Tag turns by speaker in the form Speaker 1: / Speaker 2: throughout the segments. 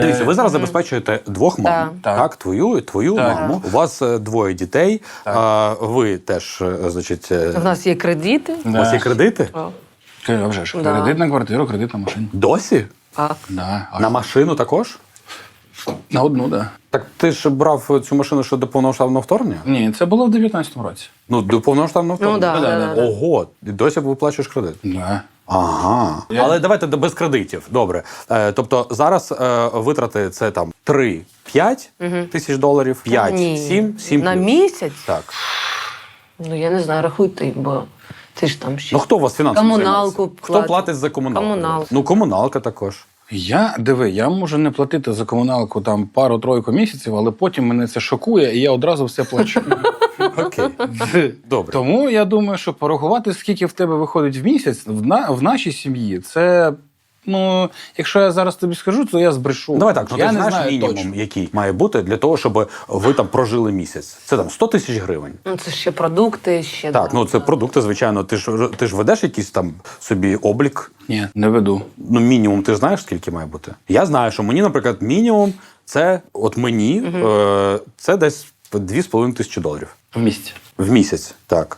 Speaker 1: Дивіться, ви зараз забезпечуєте двох мам, так? Твою і твою маму. У вас двоє дітей, ви теж, значить...
Speaker 2: У нас є кредити.
Speaker 1: У вас є кредити?
Speaker 3: А вже ж, кредит на квартиру, кредит на машину.
Speaker 1: Досі?
Speaker 2: Так.
Speaker 3: Да.
Speaker 1: На машину також?
Speaker 3: На одну, так. Да.
Speaker 1: Так ти ж брав цю машину ще до повномасштабного вторгнення?
Speaker 3: Ні, це було в 19-му році.
Speaker 1: Ну, до повномасштабного вторгнення?
Speaker 2: Ну, да.
Speaker 1: Ого, і досі виплачуєш кредит?
Speaker 3: Да.
Speaker 1: Ага. Але давайте без кредитів. Добре. Тобто зараз витрати це там 3-5 тисяч доларів, 5-7
Speaker 2: На місяць?
Speaker 1: Так.
Speaker 2: Ну, я не знаю, рахуйте, бо ти ж там ще...
Speaker 1: Ну, хто у вас фінансово
Speaker 2: Комуналку
Speaker 1: займається? Хто
Speaker 2: платить.
Speaker 1: платить за комуналку?
Speaker 2: Комуналку.
Speaker 1: Ну, комуналка також.
Speaker 3: Я можу не платити за комуналку там пару-тройку місяців, але потім мене це шокує, і я одразу все плачу.
Speaker 1: Окей. Добре.
Speaker 3: Тому я думаю, що порахувати, скільки в тебе виходить в місяць, в нашій сім'ї, це, ну, якщо я зараз тобі скажу, то я збрешу.
Speaker 1: Давай так, ну
Speaker 3: я
Speaker 1: ти
Speaker 3: не
Speaker 1: знаєш
Speaker 3: знаю
Speaker 1: мінімум,
Speaker 3: точно.
Speaker 1: який має бути для того, щоб ви там прожили місяць. Це там 100 тисяч гривень.
Speaker 2: Ну, це ще продукти, ще...
Speaker 1: Так, ну це продукти, звичайно. Ти ж ведеш якийсь там собі облік?
Speaker 3: Ні, не веду.
Speaker 1: Ну, мінімум, ти знаєш, скільки має бути? Я знаю, що мені, наприклад, мінімум, це от мені, це десь 2,5 тисячі доларів.
Speaker 3: В місяць.
Speaker 1: В місяць, так.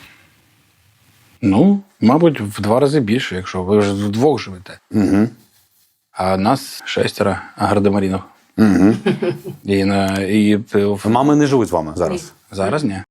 Speaker 3: Ну, мабуть, в 2 рази більше, якщо ви ж вдвох живете.
Speaker 1: Угу.
Speaker 3: А нас 6 гардемарінов.
Speaker 1: Угу.
Speaker 3: І
Speaker 1: Мами не живуть з вами зараз?
Speaker 3: зараз ні.